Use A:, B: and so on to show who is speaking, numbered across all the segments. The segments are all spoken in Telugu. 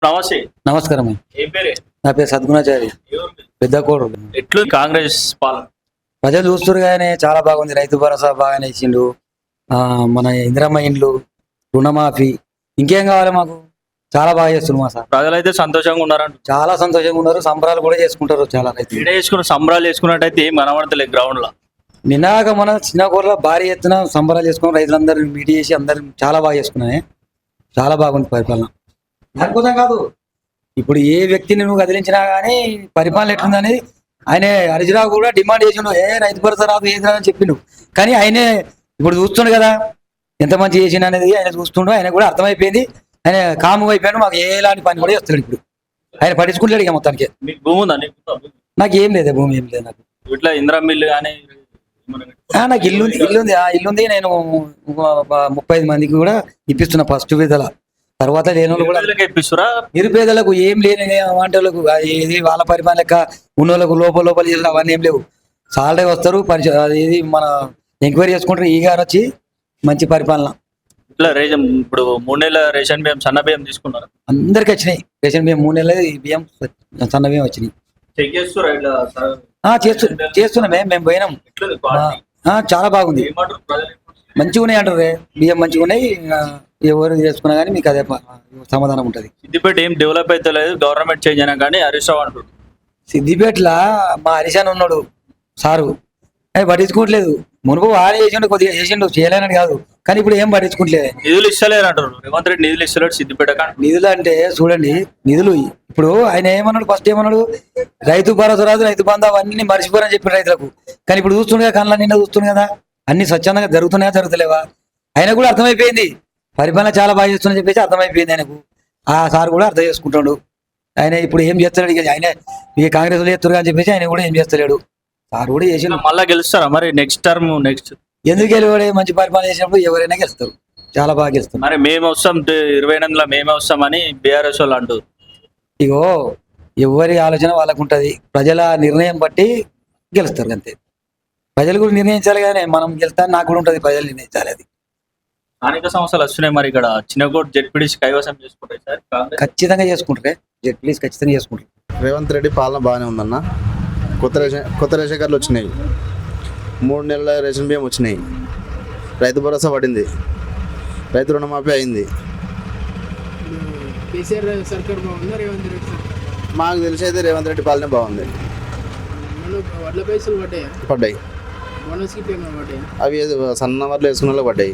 A: నమస్తే.
B: నమస్కారం.
A: ఏం పేరే?
B: నా పేరు సద్గుణాచారి, పెద్ద కోడు.
A: ఎట్లు కాంగ్రెస్ పాలన?
B: ప్రజలు చూస్తురుగానే చాలా బాగుంది. రైతు భరోసా బాగానే ఇచ్చిండు. మన ఇందిరమ్మ ఇండ్లు, రుణమాఫీ, ఇంకేం కావాలి మాకు? చాలా బాగా చేస్తున్నారు మా సార్.
A: ప్రజలైతే సంతోషంగా ఉన్నారంట.
B: చాలా సంతోషంగా ఉన్నారు. సంబరాలు కూడా చేసుకుంటారు చాలా రైతులు.
A: ఈడ చేసుకున్న సంబరాలు చేసుకున్నట్టయితే ఏం కనబడతలేదు గ్రౌండ్ లో.
B: నిన్నాక మన చిన్న కూరలో భారీ ఎత్తున సంబరాలు చేసుకుని రైతులందరూ మీట్ చేసి అందరు చాలా బాగా చేసుకున్నాయి. చాలా బాగుంది పరిపాలన. దానికోసం కాదు, ఇప్పుడు ఏ వ్యక్తిని నువ్వు కదిలించినా కానీ పరిపాలన ఎట్లుందని ఆయన హరిజరావు కూడా డిమాండ్ చేసిండు. రైతు భరోసా రాదు ఏది రాదని చెప్పిండు. కానీ ఆయనే ఇప్పుడు చూస్తుండు కదా ఎంత మంచి చేసిండు అనేది ఆయన చూస్తుండు. ఆయన కూడా అర్థమైపోయింది. ఆయన కాము అయిపోయాడు. మాకు ఎలాంటి పని కూడా చేస్తాడు. ఇప్పుడు ఆయన పట్టించుకుంటాడు ఇక మొత్తానికి.
A: మీకు భూమి ఉందా?
B: నాకు ఏం లేదు, భూమి ఏం లేదు నాకు.
A: ఇట్లా ఇందిరా మిల్లు కానీ
B: నాకు ఇల్లుంది. ఆ ఇల్లుంది. నేను 35 మందికి కూడా ఇప్పిస్తున్నా ఫస్ట్ విడతల. తర్వాత లేని వాళ్ళు కూడా
A: ఇప్పిస్తురా?
B: నిరుపేదలకు ఏం లేని వంటలకు ఏది వాళ్ళ పరిమాణ లెక్క ఉన్నోళ్ళకు లోపల చేసిన అవన్నీ ఏం లేవు. సాలరీ వస్తారు, ఇది మన ఎంక్వైరీ చేసుకుంటారు. ఈ గారు వచ్చి మంచి పరిపాలన.
A: ఇట్లా రేషన్ ఇప్పుడు 3 నెలల రేషన్ బియ్యం, సన్న బియ్యం తీసుకున్నారు.
B: అందరికి వచ్చినాయి రేషన్ బియ్యం. 3 నెలల బియ్యం, సన్న బియ్యం వచ్చినాయి.
A: చెక్ చేస్తురా? ఇట్లా
B: చేస్తున్నాం. మేము పోయినాం. చాలా బాగుంది. మంచిగా ఉన్నాయి అంటారు. బియ్యం మంచిగా ఉన్నాయి. ఎవరు చేసుకున్నా కానీ మీకు అదే సమాధానం ఉంటుంది.
A: సిద్దిపేట ఏం డెవలప్ అయితే లేదు, గవర్నమెంట్ చేంజ్ అయినా కానీ హరీష్ రావు అంటారు.
B: సిద్దిపేటలో మా హరీష్ ఉన్నాడు సారు, ఆయన పట్టించుకోవట్లేదు. మునుపు వాడే చేసిండు, కొద్దిగా చేసిండు, చేయలేనని కాదు. కానీ ఇప్పుడు ఏం పట్టించుకోవట్లేదు.
A: నిధులు ఇస్తలేరు అంటారు. రేవంత్ రెడ్డి నిధులు ఇస్తలేడు సిద్దిపేట.
B: నిధులు అంటే చూడండి, నిధులు ఇప్పుడు ఆయన ఏమన్నాడు, ఫస్ట్ ఏమన్నాడు, రైతు భరోసా రాదు, రైతు బంధు అవన్నీ మర్చిపోరని చెప్పిన రైతులకు. కానీ ఇప్పుడు చూస్తుండగా కళ్ళ నిన్న చూస్తుంది కదా, అన్ని స్వచ్ఛందంగా జరుగుతున్నాయా జరుగుతలేవా? ఆయన కూడా అర్థమైపోయింది. పరిపాలన చాలా బాగా చేస్తుందని చెప్పేసి అర్థమైపోయింది ఆయనకు. ఆ సార్ కూడా అర్థం చేసుకుంటాడు. ఆయన ఇప్పుడు ఏం చేస్తాడు, ఇక ఆయన ఇక కాంగ్రెస్ లో చేస్తారు అని చెప్పేసి ఆయన కూడా ఏం చేస్తలేడు. సార్ కూడా చేసి
A: మళ్ళా గెలుస్తారా మరి నెక్స్ట్ టర్మ్?
B: ఎందుకు గెలవడే? మంచి పరిపాలన చేసినప్పుడు ఎవరైనా గెలుస్తారు. చాలా బాగా గెలుస్తారు.
A: మరి మేము వస్తాం 28లో మేమే వస్తామని బీఆర్ఎస్ వాళ్ళు అంటారు.
B: ఇగో ఎవరి ఆలోచన వాళ్ళకు ఉంటది. ప్రజల నిర్ణయం బట్టి గెలుస్తారు అంతే. ప్రజలు కూడా నిర్ణయించాలి కానీ మనం గెలుస్తాను నాకు కూడా ఉంటది. ప్రజలు నిర్ణయించాలి. అది
A: స్థానిక సంస్థలు వస్తున్నాయి. మరి ఇక్కడ చిన్నకోట జెడ్పీడీసీ కైవసం చేసుకుంటారు సార్.
B: ఖచ్చితంగా చేసుకుంటారే. జెడ్పీడీసీ ఖచ్చితంగా చేసుకుంటారు.
C: రేవంత్ రెడ్డి పాలన బాగానే ఉందన్న. కొత్త రేషన్ కార్డులు వచ్చినాయి. 3 నెలల రేషన్ బియ్యం వచ్చినాయి. రైతు భరోసా పడింది. రైతు రుణమాఫీ అయింది.
D: కేసీఆర్ సర్కార్ బాగుందా, రేవంత్ రెడ్డి సర్కార్?
C: మాకు తెలిసి అయితే రేవంత్ రెడ్డి పాలనే బాగుంది.
D: వడ్ల పైసలు
C: పడ్డాయి.
D: బోనస్ గిట్ ఏమైనా పడ్డాయి?
C: అవి సన్న వర్లు వేసుకున్న వాళ్ళు పడ్డాయి.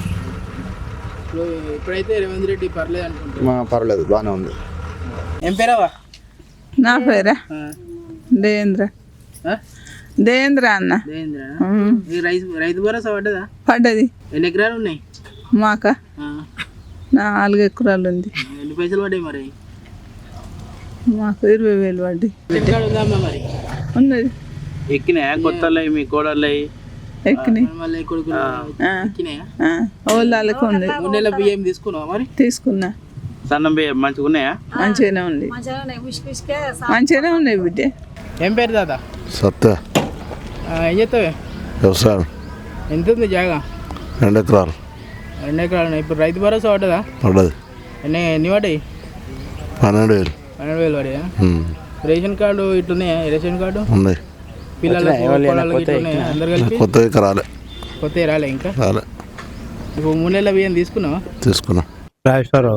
D: ఇప్పుడైతే రేవంత్ రెడ్డి పర్లేదు అనుకుంటున్నా.
C: పర్లేదు, బాగానే ఉంది.
D: ఏం పేరావా?
E: నా పేరా దేవేంద్ర. దేవేంద్ర అన్న.
D: రైతు భరోసా పడ్డదా?
E: పడ్డది.
D: ఎన్ని ఎకరాలు ఉన్నాయి
E: మాక? 4 ఎకరాలు ఉంది.
D: ఎన్ని పైసలు పడ్డాయి మరి?
E: మాకు 20,000 పడ్డాయి.
D: ఉందమ్మా మరి?
E: ఉన్నది.
D: ఎక్కినాయా? కొత్త మీ కోడళ్ళు
E: ఎక్కినాయి.
D: మళ్ళీ కొడుకులు ఎక్కినాయా?
E: వాళ్ళకి ఉంది.
D: 3 నెలల బియ్యం తీసుకున్నావా మరి?
E: తీసుకున్నా.
D: సన్నం బియ్యం మంచిగా ఉన్నాయా?
E: మంచిగానే ఉంది. మంచిగానే ఉన్నాయి బిడ్డ.
D: ఏం పేరు దాదా?
F: సత్య.
D: ఏం చేస్తావే?
F: వ్యవసాయం.
D: ఎంత ఉంది జాగా?
F: 2 ఎకరాలు.
D: 2 ఎకరాలు. ఇప్పుడు రైతు భరోసా పడ్డదా?
F: పడ్డది.
D: ఎన్ని పడ్డాయి?
F: 12,000.
D: 12,000 పడ్డాయా? రేషన్ కార్డు ఇట్లున్నాయా? రేషన్ కార్డు
F: ఉన్నాయి.
D: పిల్లలకు అందరు కలిపి
F: కొత్త రాలే.
D: కొత్త రాలే ఇంకా
F: రాలే.
D: ఇప్పుడు 3 నెలల బియ్యం తీసుకున్నావా?
F: తీసుకున్నా.
G: రాజేశ్వరరావు.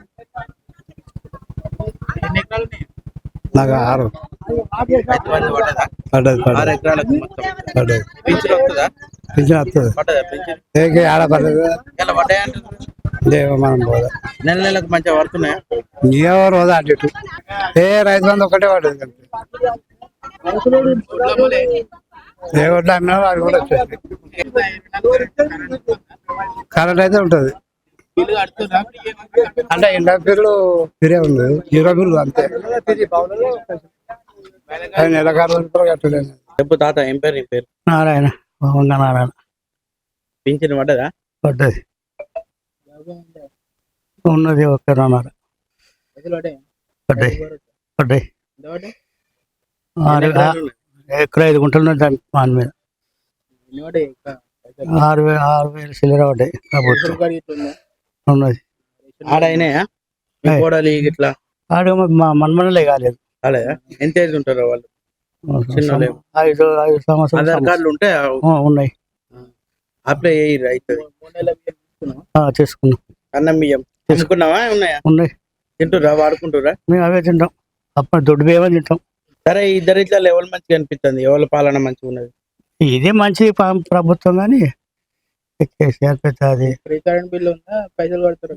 D: ఎన్ని ఎకరాలు ఉన్నాయి?
G: నాకు 6. పడ్డది.
D: 6 ఎకరాలకు మొత్తం
G: పడ్డది.
D: పింఛన్ వస్తుందా?
G: పింఛన్ వస్తుంది.
D: పడ్డదా పింఛన్?
G: ఆడ పడ్డది.
D: ఇలా పడ్డాయి అంటున్నారు.
G: లేవు మనం పోదా.
D: నెలకు మంచిగా పడుతున్నాయా?
G: ఎవరు పోదా అటు ఇటు. రైతు బంధు ఒకటే పడ్డది. ఏ ఒడ్లు అమ్మినా అది కూడా వచ్చేది. కరెంట్ అయితే ఉంటుంది. అంటే ఇంట్లో బిల్లు ఫిరే ఉంది. 0 బిల్లు అంతే. నెలకారు కట్టలేదు.
D: చెప్పు తాత, ఏం పేరు నీ పేరు?
G: నారాయణ. నారాయణ.
D: పింఛన్ పడ్డదా?
G: పడ్డది. ఉన్నది 1.5. పడ్డాయి. పడ్డాయి. 6 ఎకరా 5 గుంటలు ఉన్నాయి. దాని మీద 6,000 చిల్లర పడ్డాయి. ఉన్నది.
D: ఆడైనాయా? కోడలి ఇట్లా
G: ఆడు మా మన్మనలే కాలేదు.
D: అలా ఎంత ఏజ్ ఉంటారో వాళ్ళు? చిన్నోళ్ళే.
G: 5 సంవత్సరాలు
D: ఆధార్ కార్డులు ఉంటే
G: ఉన్నాయి.
D: అప్లై అయ్యి అవుతుంది.
G: చేసుకున్నాం.
D: అన్నం బియ్యం తీసుకున్నావా? ఉన్నాయా?
G: ఉన్నాయి.
D: తింటురా, వాడుకుంటురా?
G: మేము అవే తింటాం. అప్పుడు దొడ్డు బియ్యమే తింటాం.
D: సరే, ఇద్దరిట్లా ఎవరు మంచిగా అనిపిస్తుంది? ఎవరి పాలన మంచిగా ఉన్నది?
G: ఇదే మంచి ప్రభుత్వం కానీ కేసీఆర్ పెద్ద అది
D: ఫ్రీ కరెంట్ బిల్లు ఉందా? పైసలు కడతారు?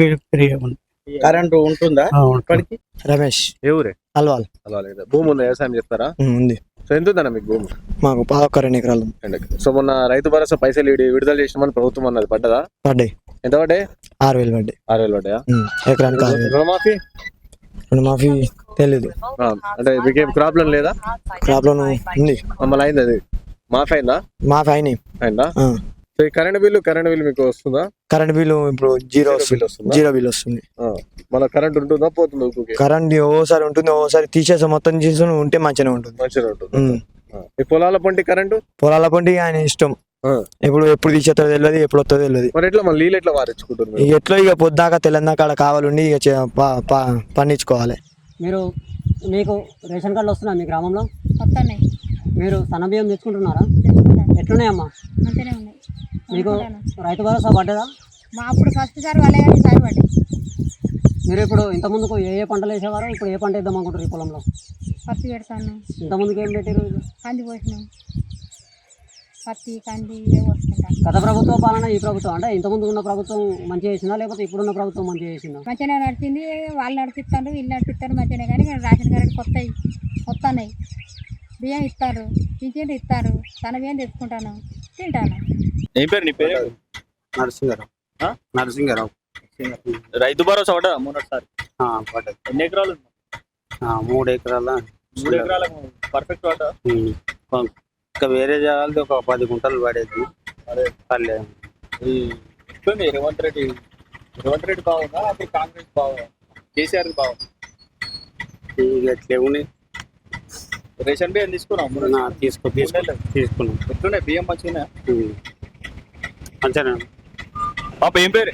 D: కరెంట్ ఉంటుందా ఇప్పటికి?
H: రమేష్.
I: ఏ ఊరే?
H: అల్వాల్.
I: భూమి ఉందా? వ్యవసాయం చేస్తారా?
H: ఉంది.
I: సో ఎంత ఉందన్న మీకు భూమి?
H: మాకు 2 ఎకరాలు.
I: సో మొన్న రైతు భరోసా పైసలు విడుదల చేసినామని ప్రభుత్వం అన్నది, పడ్డదా?
H: పడ్డాయి.
I: ఎంత పడ్డాయి?
H: 6,000 పడ్డాయి.
I: 6,000 పడ్డాయా?
H: ఎకరానికి 6,000.
I: రుణమాఫీ?
H: రుణమాఫీ తెలీదు.
I: అంటే మీకేం క్రాప్ లోన్ లేదా?
H: క్రాప్ లోన్ ఉంది.
I: మమ్మల్ని అయింది, అది మాఫీ అయిందా?
H: మాఫీ అయినాయి.
I: అయిందా? సో ఈ కరెంట్ బిల్లు మీకు వస్తుందా?
H: కరెంట్ బిల్లు ఇప్పుడు జీరో బిల్ వస్తుంది.
I: మన కరెంట్ ఉంటుందా పోతుందా?
H: కరెంట్ ఓసారి ఉంటుంది, ఓసారి తీసేసి మొత్తం తీసుకుని ఉంటే మంచిగా ఉంటుంది.
I: మంచిగా ఉంటుంది. ఈ పొలాల పంటి కరెంటు?
H: పొలాల పంటి ఆయన ఇష్టం. ఎప్పుడు తీసేస్తారో తెలియదు, ఎప్పుడు వస్తుందో తెలియదు.
I: మరి ఎట్లా మన నీళ్ళు ఎట్లా వారించుకుంటారు?
H: ఎట్లా ఇక పొద్దాక తెలంగాణ ఆడ కావాలండి, ఇక పండించుకోవాలి.
J: మీకు రేషన్ కార్డులు వస్తున్నాయి మీ గ్రామంలో?
E: వస్తున్నాయి.
J: మీరు సన్న బియ్యం తెచ్చుకుంటున్నారా? ఎట్లున్నాయమ్మా?
E: మంచిగానే ఉన్నాయి.
J: మీకు రైతు భరోసా పడ్డదా?
E: మా అప్పుడు ఫస్ట్ సారి వాళ్ళే కానీ ఈసారి పడ్డాయి.
J: మీరు ఇప్పుడు ఇంతకుముందుకు ఏ పంటలు వేసేవారు, ఇప్పుడు ఏ పంట వేద్దాం అనుకుంటారు ఈ పొలంలో?
E: పత్తి పెడతాను.
J: ఇంతకుముందుకు ఏం పెట్టారు?
E: కంది పోసినాం. పత్తి కంది ఇవే పోసుకుంటాం.
J: గత ప్రభుత్వ పాలన ఈ ప్రభుత్వం అంటే ఇంతకుముందు ఉన్న ప్రభుత్వం మంచిగా చేసిందా, లేకపోతే ఇప్పుడున్న ప్రభుత్వం మంచిగా చేసిందా?
E: మంచిగానే నడిచింది. వాళ్ళు నడిపిస్తారు, వీళ్ళు నడిపిస్తారు మంచిగానే. కానీ రేషన్ కార్డు కొత్తవి వస్తున్నాయి. బియ్యం ఇస్తారు, పింఛన్లు ఇస్తారు. తన బియ్యం తెచ్చుకుంటాను, తింటాను.
A: ఏం పేరు నీ పేరు?
G: నరసింగారావు.
A: రైతు భరోసా పడ్డా మొన్నటిసారి?
G: పడ్డది.
A: ఎన్ని ఎకరాలు?
G: 3 ఎకరాల.
A: 3 ఎకరాలకు పర్ఫెక్ట్ పడ్డా?
G: ఇంకా వేరే జాగాలది ఒక 10 గుంటలు పడేది. పర్లేదు.
A: ఈ రేవంత్ రెడ్డి బాగుందా, అప్పుడు కాంగ్రెస్ బాగుందా, కేసీఆర్ బాగుందా?
G: ఎట్లే ఉన్నాయి.
A: రేషన్ బియ్యం తీసుకున్నాం.
G: తీసుకున్నాం.
A: ఎట్లున్నాయి బియ్యం? మంచిగా
G: మంచిగా.
A: పాప ఏం పేరు?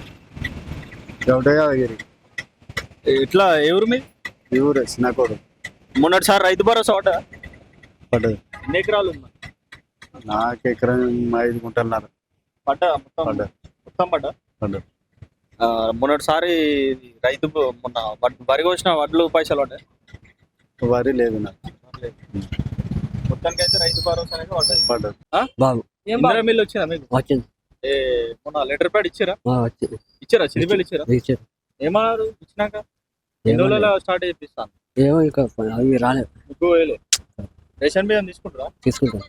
A: ఇట్లా ఎవరు మీ
C: ఊరే? చిన్నకోడు.
A: మొన్నటిసారి రైతు భరోసా
C: పడ్డది.
A: ఎన్ని ఎకరాలు ఉందా?
C: నాకు ఎకరం 5 గుంటలున్నారు.
A: పడ్డా మొత్తం పడ్డా? మొన్నటిసారి రైతు మొన్న వరి కోసిన వడ్లు పైసలు పడ్డాయి?
C: వరి లేదు నాకు.
A: మొత్తానికి అయితే రైతు భరోసా అనేది
C: పడ్డది.
J: బాబు
A: ఇందిరా మిల్లు వచ్చిందా మీకు?
J: వచ్చింది.
A: మొన్న లెటర్ ప్యాడ్ ఇచ్చారా? చిరుపేలు ఇచ్చారా? ఏమన్నారు ఇచ్చినాక? ఎన్ని రోజుల స్టార్ట్ చేపిస్తాను?
J: ఏమో ఇక అవి రాలేదు.
A: మీకు రేషన్ బియ్యం తీసుకుంటారా?
J: తీసుకుంటాం.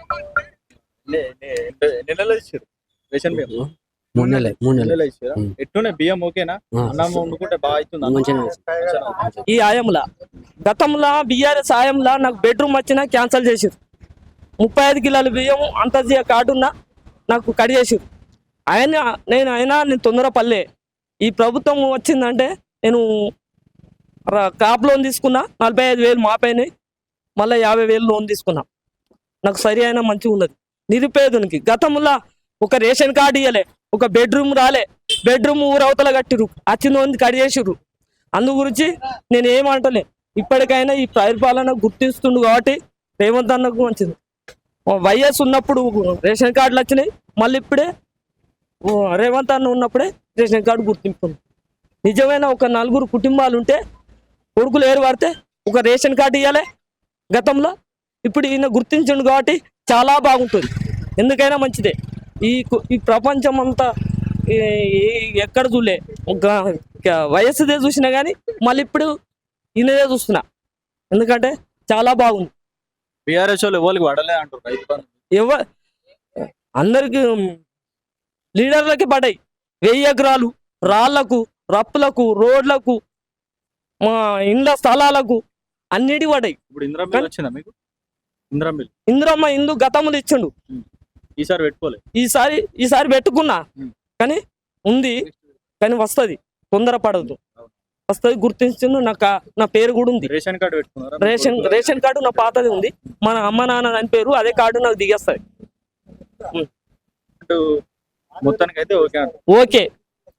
A: ఎన్ని నెలలు ఇచ్చారు రేషన్ బియ్యం?
J: 3 నెలలు
A: ఇచ్చారా? ఎట్టున్నాయి బియ్యం? ఓకేనా? అన్నం వండుకుంటే బాగా అవుతుంది.
K: ఈ ఆయంలా గతంలో బీఆర్ఎస్ ఆయంలా నాకు బెడ్రూమ్ వచ్చినా క్యాన్సిల్ చేసారు. 35 కిలోల బియ్యం అంత కార్డున్నా నాకు కట్ చేసారు. నేను తొందరపల్లే. ఈ ప్రభుత్వం వచ్చిందంటే నేను క్రాప్ లోన్ తీసుకున్నా, 45,000 మాపైనాయి. మళ్ళీ 50,000 లోన్ తీసుకున్నా. నాకు సరి అయినా మంచిగా ఉన్నది. నిరుపేదనికి గతంలో ఒక రేషన్ కార్డు ఇవ్వలే, ఒక బెడ్రూమ్ రాలే. బెడ్రూమ్ ఊరవతల కట్టిరు, వచ్చింది కట్ చేసిర్రు. అందు గురించి నేను ఏమంటలే. ఇప్పటికైనా ఈ పరిపాలన గుర్తిస్తుండు కాబట్టి రేవంత్ అన్నకు మంచిది. వైఎస్ ఉన్నప్పుడు రేషన్ కార్డులు వచ్చినాయి, మళ్ళీ ఇప్పుడే రేవంత్ అన్న ఉన్నప్పుడే రేషన్ కార్డు గుర్తింపు. నిజమైన ఒక 4 కుటుంబాలు ఉంటే కొడుకులు ఏరు పడితే ఒక రేషన్ కార్డు ఇవ్వాలి గతంలో. ఇప్పుడు ఈయన గుర్తించండు కాబట్టి చాలా బాగుంటుంది. ఎందుకైనా మంచిదే. ఈ ప్రపంచం అంతా ఎక్కడ చూలే వయస్సుదే చూసినా కానీ మళ్ళీ ఇప్పుడు ఈయనదే చూస్తున్నా. ఎందుకంటే చాలా బాగుంది.
A: బీఆర్ఎస్ వాళ్ళు ఎవరికి పడలే అంటారు.
K: అందరికి లీడర్లకి పడ్డాయి. 1000 ఎకరాలు రాళ్లకు, రప్పులకు, రోడ్లకు, మా ఇండ్ల స్థలాలకు అన్నిటి పడ్డాయి.
A: ఇప్పుడు ఇందిరా వచ్చిందా మీకు?
K: ఇందిరమ్మ ఇందు గతంలో ఇచ్చిండు.
A: ఈసారి పెట్టుకోలే.
K: ఈసారి పెట్టుకున్నా కానీ ఉంది, కానీ వస్తుంది. తొందర పడదు, వస్తుంది. గుర్తించిండు. నా పేరు కూడా ఉంది.
A: రేషన్ కార్డు పెట్టుకున్నారా?
K: రేషన్ కార్డు నా పాతది ఉంది. మన అమ్మ నాన్న అని పేరు, అదే కార్డు నాకు దిగేస్తుంది.
A: మొత్తానికి అయితే ఓకే.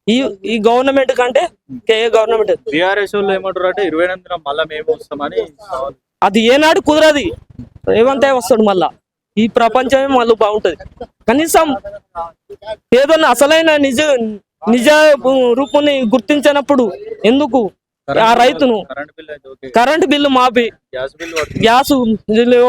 K: ఈ గవర్నమెంట్ కంటే ఏ గవర్నమెంట్
A: బీఆర్ఎస్ వాళ్ళు ఏమంటారు అంటే 29న మళ్ళా మేము వస్తామని సవాల్.
K: అది ఏనాడు కుదరది. రేవంత్ వస్తాడు మళ్ళా, ఈ ప్రపంచమే మళ్ళీ బాగుంటది. కనీసం ఏదన్నా అసలైన నిజ రూపుని గుర్తించినప్పుడు ఎందుకు ఆ రైతును
A: కరెంట్ బిల్ అయితే ఓకే,
K: కరెంటు బిల్లు మాపి
A: గ్యాస్ బిల్
K: గ్యాస్